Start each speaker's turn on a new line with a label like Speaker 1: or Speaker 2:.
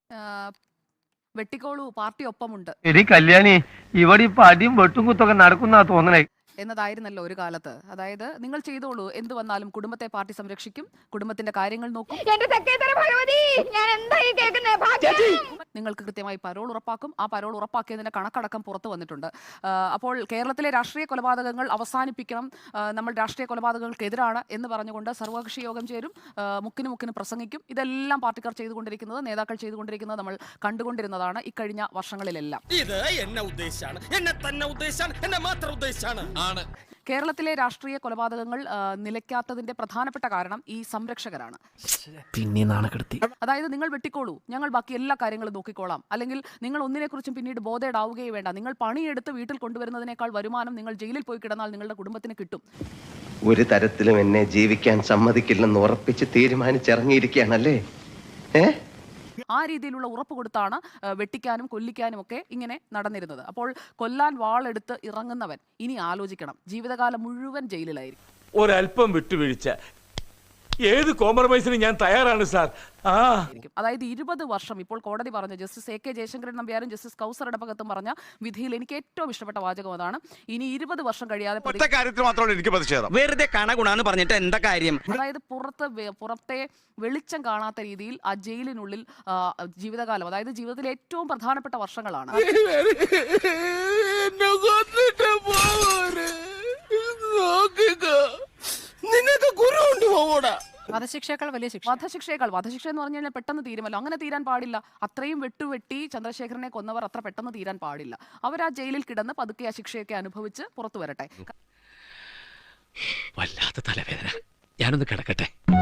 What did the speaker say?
Speaker 1: വെട്ടിക്കോളൂ, party ഒപ്പമുണ്ട്.
Speaker 2: എടി കല്യാണി, ഇവിടെ ഇപ്പൊ അടിയും വെട്ടും കുത്തൊക്കെ നടക്കുന്ന തോന്നണേ
Speaker 1: എന്നതായിരുന്നല്ലോ ഒരു കാലത്ത്. അതായത് നിങ്ങൾ ചെയ്തോളൂ, എന്ത് വന്നാലും കുടുംബത്തെ പാർട്ടി സംരക്ഷിക്കും, കുടുംബത്തിന്റെ കാര്യങ്ങൾ നോക്കും, നിങ്ങൾക്ക് കൃത്യമായി പരോൾ ഉറപ്പാക്കും. ആ പരോൾ ഉറപ്പാക്കിയതിന്റെ കണക്കടക്കം പുറത്തു വന്നിട്ടുണ്ട്. അപ്പോൾ കേരളത്തിലെ രാഷ്ട്രീയ കൊലപാതകങ്ങൾ അവസാനിപ്പിക്കണം, നമ്മൾ രാഷ്ട്രീയ കൊലപാതകങ്ങൾക്കെതിരാണ് എന്ന് പറഞ്ഞുകൊണ്ട് സർവകക്ഷി യോഗം ചേരും, മുക്കിന് പ്രസംഗിക്കും. ഇതെല്ലാം പാർട്ടിക്കാർ ചെയ്തുകൊണ്ടിരിക്കുന്നത്, നേതാക്കൾ ചെയ്തുകൊണ്ടിരിക്കുന്നത് നമ്മൾ കണ്ടുകൊണ്ടിരുന്നതാണ് ഇക്കഴിഞ്ഞ വർഷങ്ങളിലെല്ലാം. കേരളത്തിലെ രാഷ്ട്രീയ കൊലപാതകങ്ങൾ നിലയ്ക്കാത്തതിന്റെ പ്രധാനപ്പെട്ട കാരണം ഈ സംരക്ഷകരാണ്. അതായത് നിങ്ങൾ വെട്ടിക്കോളൂ, ഞങ്ങൾ ബാക്കി എല്ലാ കാര്യങ്ങളും നോക്കിക്കോളാം, അല്ലെങ്കിൽ നിങ്ങൾ ഒന്നിനെക്കുറിച്ചും പിന്നീട് ബോധേഡാവുകയേ വേണ്ട, നിങ്ങൾ പണിയെടുത്ത് വീട്ടിൽ കൊണ്ടുവരുന്നതിനേക്കാൾ വരുമാനം നിങ്ങൾ ജയിലിൽ പോയി കിടന്നാൽ നിങ്ങളുടെ കുടുംബത്തിന് കിട്ടും.
Speaker 3: ഒരു തരത്തിലും എന്നെ ജീവിക്കാൻ സമ്മതിക്കില്ലെന്ന് ഉറപ്പിച്ച് തീരുമാനിച്ചിറങ്ങിയിരിക്കുകയാണല്ലേ.
Speaker 1: ആ രീതിയിലുള്ള ഉറപ്പ് കൊടുത്താണ് വെട്ടിക്കാനും കൊല്ലിക്കാനും ഒക്കെ ഇങ്ങനെ നടന്നിരുന്നത്. അപ്പോൾ കൊല്ലാൻ വാളെടുത്ത് ഇറങ്ങുന്നവൻ ഇനി ആലോചിക്കണം, ജീവിതകാലം മുഴുവൻ ജയിലിലായിരിക്കും.
Speaker 4: ഒരല്പം വിട്ടുവീഴ്ച, ഏത് കോംപ്രമൈസിന് ഞാൻ തയ്യാറാണ് സാർ.
Speaker 1: അതായത് 20 വർഷം, ഇപ്പോൾ കോടതി പറഞ്ഞ ജസ്റ്റിസ് AK ജയശങ്കരൻ നമ്പ്യാരും ജസ്റ്റിസ് കൗസർ ഇടപ്പകത്തും പറഞ്ഞ വിധിയിൽ എനിക്ക് ഏറ്റവും ഇഷ്ടപ്പെട്ട വാചകം അതാണ്. ഇനി 20 വർഷം കഴിയാതെ
Speaker 5: വെറുതെ കണഗുണാന്ന് പറഞ്ഞിട്ട് എന്താ കാര്യം?
Speaker 1: അതായത് പുറത്തെ വെളിച്ചം കാണാത്ത രീതിയിൽ ആ ജയിലിനുള്ളിൽ ജീവിതകാലം, അതായത് ജീവിതത്തിലെ ഏറ്റവും പ്രധാനപ്പെട്ട വർഷങ്ങളാണ്.
Speaker 6: വധശിക്ഷയേക്കാൾ വലിയ ശിക്ഷ.
Speaker 1: വധശിക്ഷ എന്ന് പറഞ്ഞു കഴിഞ്ഞാൽ പെട്ടെന്ന് തീരുമല്ലോ, അങ്ങനെ തീരാൻ പാടില്ല. അത്രയും വെട്ടുവെട്ടി ചന്ദ്രശേഖരനെ കൊന്നവർ അത്ര പെട്ടെന്ന് തീരാൻ പാടില്ല. അവർ ആ ജയിലിൽ കിടന്ന് പതുക്കെ ആ ശിക്ഷയൊക്കെ അനുഭവിച്ച് പുറത്തു വരട്ടെ.
Speaker 5: വല്ലാത്ത തലവേദന, ഞാനൊന്ന് കിടക്കട്ടെ.